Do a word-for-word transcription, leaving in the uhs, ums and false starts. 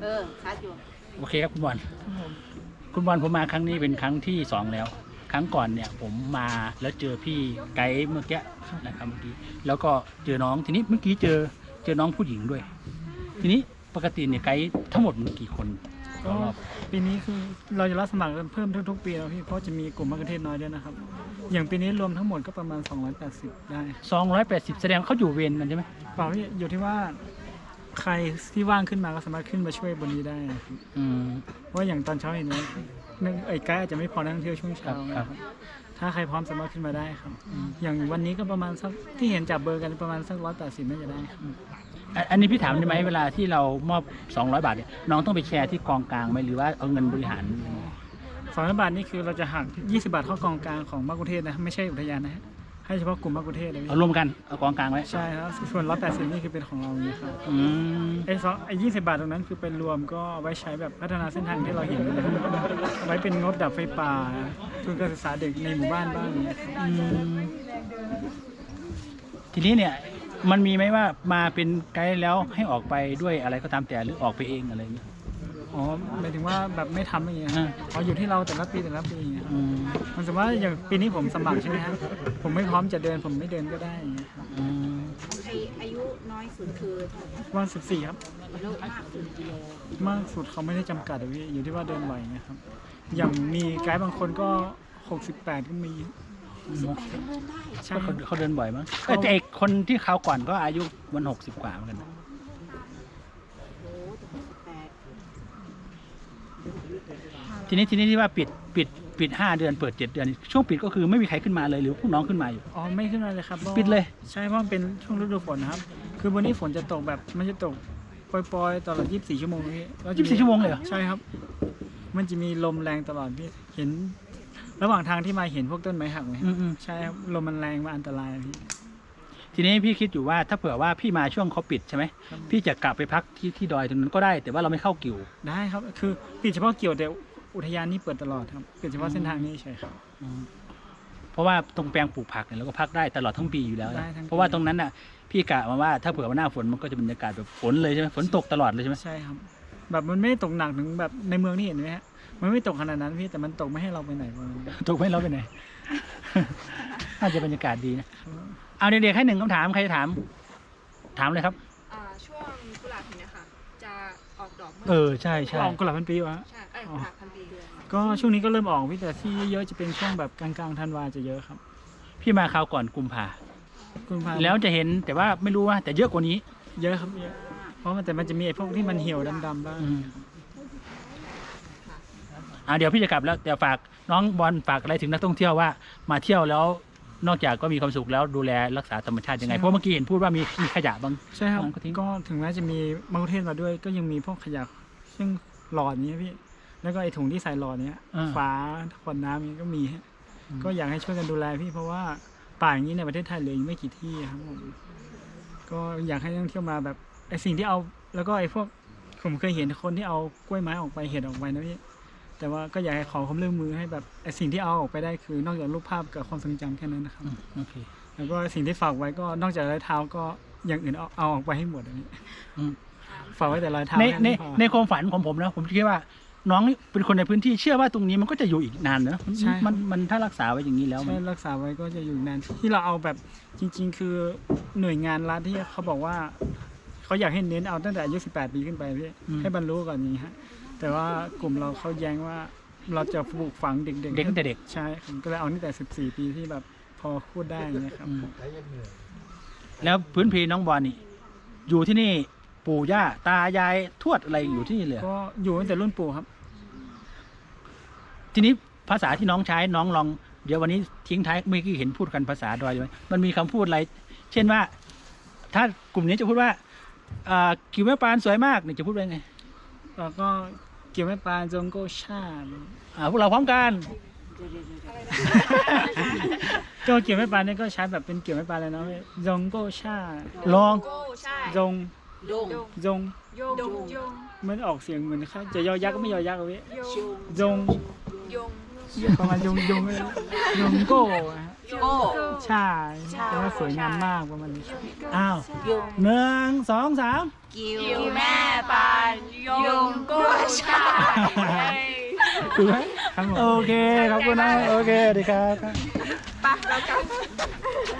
เออชัดอยู่โอเคครับคุณบอลคุณบอลผมมาครั้งนี้เป็นครั้งที่สองแล้วครั้งก่อนเนี่ยผมมาแล้วเจอพี่ไกด์เมื่อกี้นะครับเมื่อกี้แล้วก็เจอน้องทีนี้เมื่อกี้เจอเจอน้องผู้หญิงด้วยทีนี้ปกติเนี่ยไกด์ทั้งหมดมีกี่คนก็ปีนี้คือเราจะรับสมัครเพิ่มทุกๆปีแล้วพี่เพราะจะมีกลุ่มมะเขือเทศน้อยด้วยนะครับอย่างปีนี้รวมทั้งหมดก็ประมาณสองร้อยแปดสิบได้สองร้อยแปดสิบแสดงเขาอยู่เวรกันใช่ไหมเปล่าพี่อยู่ที่ว่าใครที่ว่างขึ้นมาก็สามารถขึ้นมาช่วยบนนี้ได้อืมเพราะอย่างตอนเช้าเห็นไหมไอ้ไกด์อาจจะไม่พอนักท่องเที่ยวช่วงเช้าครับถ้าใครพร้อมสามารถขึ้นมาได้ครับอย่างวันนี้ก็ประมาณสักที่เห็นจับเบอร์กันประมาณสักร้อยแปดสิบน่าจะได้ครับอันนี้พี่ถามได้ไหมเวลาที่เรามอบสองร้อยบาทเนี่ยน้องต้องไปแชร์ที่กองกลางไหมหรือว่าเอาเงินบริหารสองร้อยบาทนี่คือเราจะหักยี่สิบบาทเข้ากองกลางของมะกุเทศนะไม่ใช่อุทยานนะให้เฉพาะกลุ่มมะกุเทศเลยเอารวมกันเอากองกลางไว้ใช่ครับส่วนร้อยแปดสิบนี่คือเป็นของเราเนี่ยครับอืมไอ้สองไอ้ยี่สิบบาทตรงนั้นคือเป็นรวมก็ไว้ใช้แบบพัฒนาเส้นทางที่เราเห็นเลยไว้เป็นงบดับไฟป่าทุนการศึกษาเด็กในหมู่บ้านบ้างเนี่ยทีนี้เนี่ยมันมีไหมว่ามาเป็นไกด์แล้วให้ออกไปด้วยอะไรก็ตามแต่หรือออกไปเองอะไรอย่างเงี้ยอ๋อหมายถึงว่าแบบไม่ทำอย่างเงี้ยอ๋ออยู่ที่เราแต่ละปีแต่ละปีอย่างเงี้ยมันสมมติว่าอย่างปีนี้ผมสมัครใช่ไหมครับผมไม่พร้อมจะเดินผมไม่เดินก็ได้อย่างเงี้ยครับอายุน้อยสุดคือวันสิบสี่ครับแล้วมากสุดกิโลมากสุดเขาไม่ได้จำกัดเลยอยู่ที่ว่าเดินไหวเงี้ยครับอย่างมีไกด์บางคนก็หกสิบแปดก็มีใช่เขาเดินบ่อยมั้งแต่เอกคนที่เขาก่อนก็อายุวันหกสิบกว่าเหมือนกันทีนี้ทีนี้ที่ว่าปิดปิดปิดห้าเดือนเปิดเจ็ดเดือนช่วงปิดก็คือไม่มีใครขึ้นมาเลยหรือพวกน้องขึ้นมาอยู่อ๋อไม่ขึ้นมาเลยครับปิดเลยใช่เพราะมันเป็นช่วงฤดูฝนนะครับคือวันนี้ฝนจะตกแบบมันจะตกปล่อยๆตลอดยี่สิบสี่ชั่วโมงนี้ยี่สิบสี่ชั่วโมงเลยเหรอใช่ครับมันจะมีลมแรงตลอดพี่เห็นระหว่างทางที่มาเห็นพวกต้นไม้หักไหมใช่ครับลมมันแรงมาอันตรายพี่ทีนี้พี่คิดอยู่ว่าถ้าเผื่อว่าพี่มาช่วงเขาปิดใช่ไหมพี่จะกลับไปพักที่ที่ดอยตรงนั้นก็ได้แต่ว่าเราไม่เข้ากิ่วได้ครับคือปิดเฉพาะกิ่วแต่อุทยานนี่เปิดตลอดครับปิดเฉพาะเส้นทางนี้ใช่ครับเพราะว่าตรงแปลงปลูกผักเนี่ยเราก็พักได้ตลอดทั้งปีอยู่แล้วเพราะว่าตรงนั้นน่ะพี่กะมาว่าถ้าเผื่อว่าหน้าฝนมันก็จะบรรยากาศแบบฝนเลยใช่ไหมฝนตกตลอดเลยใช่ไหมใช่ครับแบบมันไม่ตกหนักถึงแบบในเมืองนี่เห็นไหมฮะมันไม่ตกขนาดนั้นพี่แต่มันตกไม่ให้เราไปไหนตกไม่ให้เราไปไหนน่าจะบรรยากาศดีนะเอาเด็กๆให้หนึ่งคำถามใครจะถามถามเลยครับช่วงกุหลาบเนี่ยค่ะจะออกดอกเออใช่ใช่ออกกุหลาบพันปีวะใช่เออกุหลาบพันปีก็ช่วงนี้ก็เริ่มออกพี่แต่ที่เยอะจะเป็นช่วงแบบกลางๆธันวาจะเยอะครับพี่มาคราวก่อนกุมภากุมภาแล้วจะเห็นแต่ว่าไม่รู้ว่าแต่เยอะกว่านี้เยอะครับเยอะเพราะมันแต่มันจะมีไอ้พวกที่มันเหี่ยวดำๆบ้างอ่าเดี๋ยวพี่จะกลับแล้วเดี๋ยวฝากน้องบอลฝากอะไรถึงนักท่องเที่ยวว่ามาเที่ยวแล้วนอกจากก็มีความสุขแล้วดูแลรักษาธรรมชาติยังไงเพราะเมื่อกี้เห็นพูดว่ามีมีขยะบางใช่ครับก็ถึงแม้จะมีมะกุเทศมาด้วยก็ยังมีพวกขยะซึ่งหลอดนี้พี่แล้วก็ไอ้ถุงที่ใส่หลอดเนี้ยฝาขวดน้ำนี้ก็มีฮะก็อยากให้ช่วยกันดูแลพี่เพราะว่าป่าอย่างนี้ในประเทศไทยเหลือไม่กี่ที่ครับผมก็อยากให้นักท่องเที่ยวมาแบบไอ้สิ่งที่เอาแล้วก็ไอ้พวกผมเคยเห็นคนที่เอากล้วยไม้ออกไปเห็ดออกไปนะพี่แต่ว่าก็อยากให้ขอความร่วมมือให้แบบไอ้สิ่งที่เอาออกไปได้คือนอกจากรูปภาพกับความทรงจำแค่นั้นนะครับโอเคแล้วก็สิ่งที่ฝากไว้ก็นอกจากรอยเท้าก็อย่างอื่นเอาเอาออกไปให้หมดอันนี้ฝากไว้แต่รอยเท้าในในในความฝันของผมนะผมคิดว่าน้องเป็นคนในพื้นที่เชื่อว่าตรงนี้มันก็จะอยู่อีกนานเนอะมันมันถ้ารักษาไว้อย่างนี้แล้วใช่รักษาไว้ก็จะอยู่นานที่เราเอาแบบจริงๆคือหน่วยงานรัฐที่เขาบอกว่าเขาอยากให้เน้นเอาตั้งแต่อายุสิบแปดปีขึ้นไปพี่ให้บรรลุก่อนนี้ฮะแต่ว่ากลุ่มเราเขาแย้งว่าเราจะปลูกฝังเด็กๆเด็กตั้งแต่เด็กใช่ผมก็เลยเอาตั้งแต่สิบสี่ปีที่แบบพอพูดได้นะครับแล้วพื้นเพน้องบอลนี่อยู่ที่นี่ปู่ย่าตายายทวดอะไรอยู่ที่นี่เลยก็อยู่ตั้งแต่รุ่นปู่ครับทีนี้ภาษาที่น้องใช้น้องลองเดี๋ยววันนี้ทิ้งท้ายเมื่อกี้เห็นพูดกันภาษาดอยไหมมันมีคำพูดอะไรเช่นว่าถ้ากลุ่มนี้จะพูดว่ากิ่วแม่ปานสวยมากนี่จะพูดว่าไงแล้วก็เกี่ยวแม่ปานจงโกชาอ่าพวกเราพร้อมกันก็เกี่ยวแม่ปานนี่ก็ใช้แบบเป็นเกี่ยวแม่ปานเลยเนาะจงโกชาลองจงจงยงมันออกเสียงเหมือนค่ะจะยอยักษ์ก็ไม่ยอยักษ์เลยจงประมาณยงยงยงโก้โก้ใช่แต่ว่าสวยงามมากประมาณนี้อ้าวหนึ่งสองสามกิ่วแม่ปานยงค่ะถูกไหมครับผมโอเคขอบคุณนะโอเคสวัสดีครับไปเรากลับ